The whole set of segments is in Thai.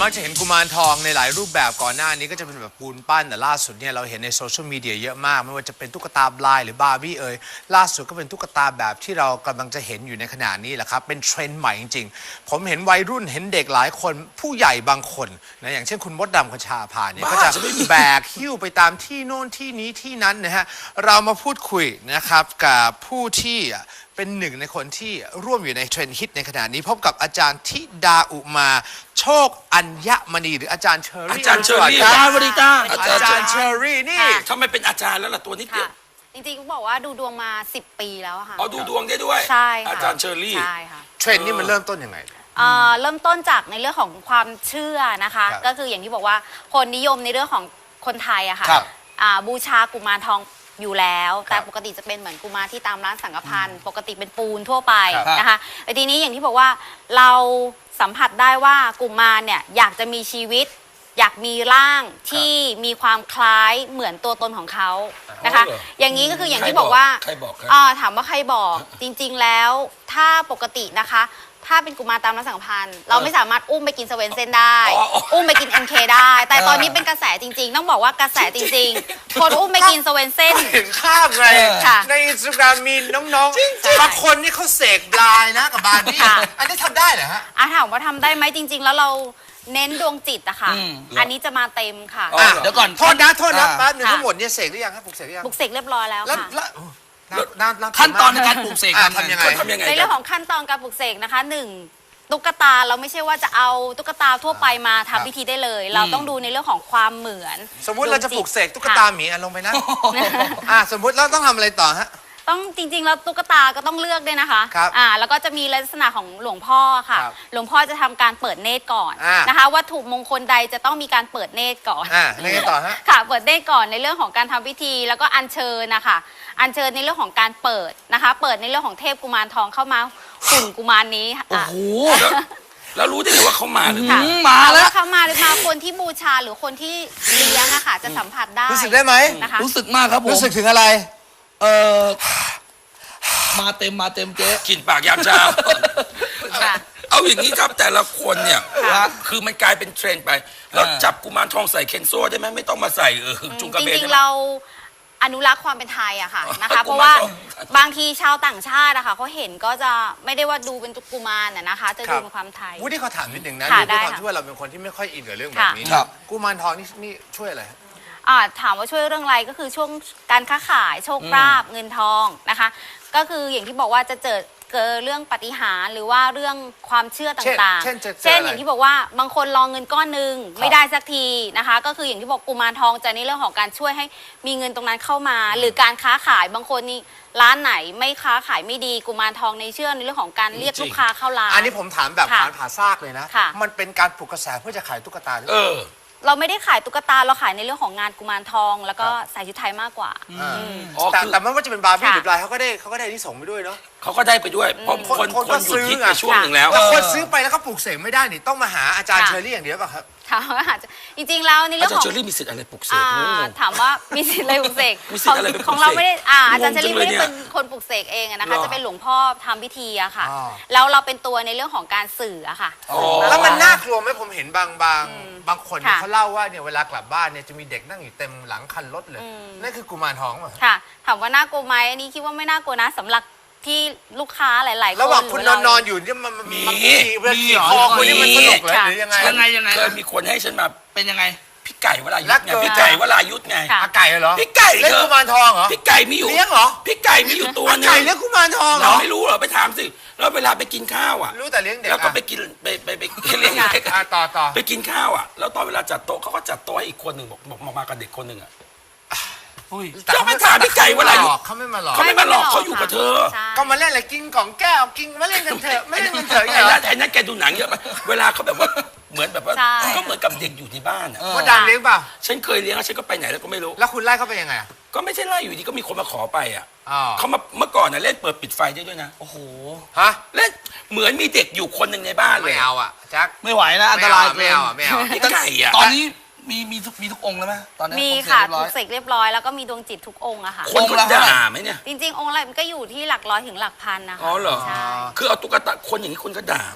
มักจะเห็นกุมารทองในหลายรูปแบบก่อนหน้านี้ก็จะเป็นแบบปูนปั้นแต่ล่าสุดเนี่ยเราเห็นในโซเชียลมีเดียเยอะมากไม่ว่าจะเป็นตุ๊กตาบลายหรือบาร์บี้ล่าสุดก็เป็นตุ๊กตาแบบที่เรากำลังจะเห็นอยู่ในขณะนี้แหละครับเป็นเทรนด์ใหม่จริงๆผมเห็นวัยรุ่นเห็นเด็กหลายคนผู้ใหญ่บางคนนะอย่างเช่นคุณมดดำคชาภาเนี่ยก็จะแบกหิ้วไปตามที่โน่นที่นี้ที่นั้นนะฮะเรามาพูดคุยนะครับกับผู้ที่เป็นหนึ่งในคนที่ร่วมอยู่ในเทรนด์ฮิตในขณะนี้พบกับอาจารย์ธิดาอุมาโชคอัญมณีหรืออาจารย์เชอรี่อาจารย์เชอรี่อาจารย์สวัสดีจ้าอาจารย์เชอรี่นี่ทำไมเป็นอาจารย์แล้วล่ะตัวนิดเดียวจริงๆบอกว่าดูดวงมา10 ปีแล้วค่ะอ๋อดูดวงได้ด้วยใช่ค่ะอาจารย์เชอรี่ใช่ค่ะเทรนด์นี่มันเริ่มต้นยังไงเริ่มต้นจากในเรื่องของความเชื่อนะคะครับก็คืออย่างที่บอกว่าคนนิยมในเรื่องของคนไทยอะค่ะครับบูชากุมารทองอยู่แล้วครับแต่ปกติจะเป็นเหมือนกุมารที่ตามร้านสังฆพันธ์ปกติเป็นปูนทั่วไปครับนะคะแต่ทีนี้อย่างที่บอกว่าเราสัมผัสได้ว่ากุมารเนี่ยอยากจะมีชีวิต อยากมีร่างที่มีความคล้ายเหมือนตัวตนของเขานะคะอ๋อเหรออย่างนี้ก็คืออย่างที่บอกว่าใครบอกครับถามว่าใครบอกจริงๆแล้วถ้าปกตินะคะ ถ้าเป็นกุมารตามร้านสังฆพันธ์เราไม่สามารถอุ้มไปกินสเวนเซนได้ อุ้มไปกิน MK ได้ แต่ตอนนี้เป็นกระแสจริงๆ ต้องบอกว่ากระแสจริงๆ คนอุ้มไปกินสเวนเซนเห็นข้ามไงค่ะในอินสตาแกรมมีน้องๆบางคนนี่เขาเสกบลายนะกับบาร์บี้ค่ะอันนี้ทำได้เหรอฮะถามว่าทำได้ไหมจริง ๆ แล้วเราเน้นดวงจิตอะค่ะ อันนี้จะมาเต็มค่ะอ๋ออ่ะเหรอเดี๋ยวก่อนโทษนะแป๊บนึงค่ะทั้งหมดเนี่ยเสกหรือยังครับปลุกเสกหรือยังบุกเสกเรียบร้อยแล้วแล้วค่ะขั้นตอนในการปลูกเสกทำยังไงเขาทำยังไงในกัเรื่องของขั้นตอนการปลุกเสกนะคะหนึ่งตุ๊กตาเราไม่ใช่ว่าจะเอาตุ๊กตาทั่วไปมาทำพิธีได้เลย เราต้องดูในเรื่องของความเหมือนสมมุติเราจะปลุกเสกตุ๊กตาหมีลงไปนะสมมุติเราต้องทำอะไรต่อฮะต้องจริง ๆ แล้วตุ๊กตาก็ต้องเลือกด้วยนะคะครับแล้วก็จะมีลักษณะของหลวงพ่อค่ะครับหลวงพ่อจะทำการเปิดเนตรก่อนอ่านนะคะวัตถุมงคลใดจะต้องมีการเปิดเนตรก่อนยังไงต่อฮะค่ะเปิดเนตรก่อนในเรื่องของการทำพิธีแล้วก็อัญเชิญนะคะอัญเชิญในเรื่องของการเปิดนะคะ เปิดในเรื่องของเทพกุมารทองเข้ามาหุ่นกุมารนี้ค่ะโอ้โหแล้วรู้ได้ไงว่าเขามาหรือค่ะไม่มาแล้วเขามาหรือมาคนที่บูชาหรือคนที่เลี้ยงอะค่ะจะสัมผัสได้รู้สึกได้ไหมนะคะรู้สึกมากครับผมรู้สึกถึงอะไรเออมาเต็มเจ๊กินปากยามเช้าค่ะเอาอย่างนี้ครับแต่ละคนเนี่ยค่ะคือมันกลายเป็นเทรนด์ไป แล้วจับกุมารทองใส่เคนโซ่ได้ไหมไม่ต้องมาใส่จุงกระจเบนริงๆเราอนุรักษ์ความเป็นไทยอะค่ะนะคะ เพราะว่าบางทีชาวต่างชาติอะค่ะเขาเห็นก็จะไม่ได้ว่าดูเป็นกุมารนะคะ จะดูเป็นความไทยวูดดี้เขาถามนิดนึงนะค่ะด้วยความได้ค่ะที่ว่าเราเป็นคนที่ไม่ค่อยอินกับเรื่องแบบนี้ครับกุมารทองนี่ช่วยอะไรฮะถามว่าช่วยเรื่องอะไรก็คือช่วงการค้าขายโชคลาภเงินทองนะคะ ก็คืออย่างที่บอกว่าจะเกิดเรื่องปาฏิหาริย์หรือว่าเรื่องความเชื่อต่างๆเช่นจะเจอเช่นอะไรอย่างที่บอกว่าบางคนรองเงินก้อนหนึ่งไม่ได้สักทีนะคะ ก็คืออย่างที่บอกกุมารทองจะในเรื่องของการช่วยให้มีเงินตรงนั้นเข้ามา หรือการค้าขายบางคนนี่ร้านไหนไม่ค้าขายไม่ดีกุมารทองในเชื่อในเรื่องของการเรียกลูกค้าเข้าร้านอันนี้ผมถามแบบค่ะผ่าซากเลยนะค่ะมันเป็นการปลุกกระแสเพื่อจะขายตุ๊กตาหรือเปเอล่าอเราไม่ได้ขายตุ๊กตาเราขายในเรื่องของงานกุมารทอง แล้วก็ครับใส่ชุดไทยมากกว่าอ๋อแต่คือแต่ไม่ว่าจะเป็นบาร์บี้ค่ะหรือบลายเขาก็ได้อานิสงส์ไปด้วยเนาะเขาก็ได้ไปด้วยเพราะคนคนก็หยุดซื้อฮิตไงไปช่วงหนึ่งแล้วแต่คนซื้อไปแล้วก็ปลูกเสกไม่ได้นี่ต้องมาหาอาจารย์ค่ะเชอรี่อย่างเดียวป่ะครับถามว่าอาจจะจริงๆแล้วในเรื่อาองจารขย์องเชอรี่มีสิทธิ์อะไรปลุกเสกถามว่ามีสิทธิ์อะไรปลุกเสกมีสิทธิ์อะไรไปปลุกเสกของเราไม่ได้อาจารย์เชอรี่งงจังเลยไม่ได้เนี่ยเป็นคนปลุกเสกเองอะนะคะหรอจะเป็นหลวงพ่อทำพิธีอะค่ะอ๋อแล้วเราเป็นตัวในเรื่องของการสื่ออะค่ะอ๋อแล้วมันน่ากลัวไหมผมเห็นบางคนเนี่ยค่ะเขาเล่าว่าเนี่ยเวลากลับบ้านเนี่ยจะมีเด็กนั่งอยู่เต็มหลังคันรถเลยนั่นคือกุมารทองป่ะค่ะ ถามว่าน่ากลัวไหมอันนี้คิดว่าไม่น่ากลัวนะสำหรับที่ลูกค้าหลายๆคนระหว่างคุณรืนอนอยู่เนี่ยมันมีเวลาขี่คอคุณนี่มันสนุกเลยค่ะหรือยังไงยังไงเคยมีคนให้ฉันมาเป็นยังไงพี่ไก่วรายุทรักธ์ไงเกินพี่ไก่วรายุทธ์ไงค่ะอาไก่เหรอพี่ไก่เล่นเธอกุมารทองเหรอพี่ไก่มีอยู่เลี้ยงเหรอพี่ไก่มีอยู่ตัวหนึงไก่เลี้ยงกุมารทองเหรเราอไม่รู้เหรอไปถามสิแล้วเวลาไปกินข้าวอ่ะรู้แต่เลี้ยงเด็กแล้วก็อ่ะไปกินไปเลี้ยงเด็กอ่ะอะต่อไปกินข้าวอ่ะแล้วตอนเวลาจัดโต๊ะเขาก็จัดโต๊ะให้อีกคนหนึ่งบอกมากับเด็กคนหนึ่งอ่ะอุ้ยเจ้าไปถามพี่ไก่วรายุทธ์เขาไม่มาหลอกเขาไม่มาหลอกเขาอยู่กับเธอใช่ก็มาเล่นอะไรกินกล่องแก้วกินมาเล่นกันเถอะไม่เล่นกันเถอะอย่างไอ้เงี้ยนั่นไอ้นั่นแกดูหนังเยอะไปเวลาเขาแบบว่าเหมือนแบบว่าใช่ก็เหมือนกับเด็กอยู่ในบ้านอ่ะว่าดังเลี้ยงเปล่าฉันเคยเลี้ยงแล้วฉันก็ไปไหนแล้วก็ไม่รู้แล้วคุณไล่เขาไปยังไงอ่ะก็ไม่ใช่ไล่อยู่ดีก็มีคนมาขอไปอ่ะอ๋อเขามาเมื่อก่อนน่ะเล่นเปิดปิดไฟได้ด้วยนะโอ้โหฮะเล่นเหมือนมีเด็กอยู่คนหนึ่งในบ้านเลไม่ยเอาอ่ะแจ็คไม่ไหวนะอันตรายไม่เอาอ่ะไม่เอาอ่ะพี่ไก่อ่ะตอนนี้มีทุกองค์แล้วไหมตอนนี้มีปลูกเสกค่ะเรียบปร้ลุอยกเสกเรียบร้อยแล้วก็มีดวงจิตทุกองค์อะค่ะคนองค์ก็ละด่าไหมเนี่ยจริงๆ องค์ละมันก็อยู่ที่หลักร้อยถึงหลักพันนะคะอ๋อเหรอใช่คือเอาตุ๊กตาคนอย่างนี้คนก็ด่าไหม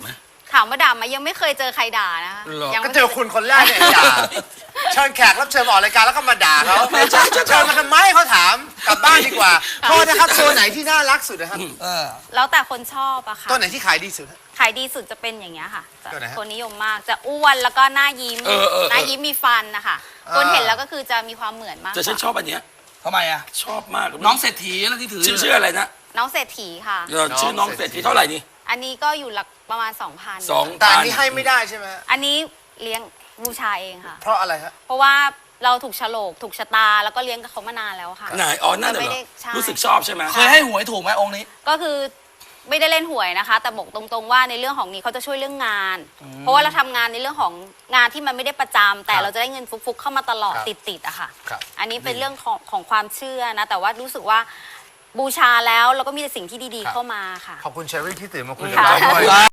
ถามว่าด่าไหมยังไม่เคยเจอใครด่านะคะหรอยังก็ไม่เจอคุณคนแรกเนี่ยด่าเชิญแขกรับเชิญมาออกรายการแล้วก็มาด่าเขาเชิญมาทำไมเขาถามกลับบ้านดีกว่าโทษนะครับตัวไหนที่น่ารักสุดนะครับแล้วแต่คนชอบอะค่ะตัวไหนที่ขายดีสุดฮะขายดีสุดจะเป็นอย่างเงี้ยค่ะจะตัวไหนฮะคนนิยมมากจะอ้วนแล้วก็หน้ายิ้มหน้ายิ้มมีฟันนะคะคนเห็นแล้วก็คือจะมีความเหมือนมากแต่ฉันชอบอันเนี้ยทำไมอ่ะชอบมากน้องเศรษฐีนะที่ถือชื่ออะไรนะน้องเศรษฐีค่ะชื่อน้องเศรษฐีเท่าไหร่นี่อันนี้ก็อยู่หลักประมาณ 2,000 2,000 แต่อันนี้ให้ไม่ได้ใช่ไหมฮะอันนี้เลี้ยงบูชาเองค่ะเพราะอะไรฮะเพราะว่าเราถูกฉลกถูกชะตาแล้วก็เลี้ยงกับเขามานานแล้วค่ะไหนอ๋อนั่นเหรไม่อได้ใช่รู้สึกชอบใช่ไหมเคยให้หวยถูกไหมองค์นี้ก็คือไม่ได้เล่นหวยนะคะ แต่บอกตรงๆว่าในเรื่องของนี้เขาจะช่วยเรื่องงาน เพราะว่าเราทำงานในเรื่องของงานที่มันไม่ได้ประจำแต่ครับเราจะได้เงินฟุกๆเข้ามาตลอดครับติดๆอะค่ะครับอันนี้เป็นเรื่องของความเชื่อนะ แต่ว่ารู้สึกว่าบูชาแล้วเราก็มีแต่สิ่งที่ดีๆเข้ามาค่ะขอบคุณเชอรี่ที่ตื่นมาคุยกับเราค่ะด้วย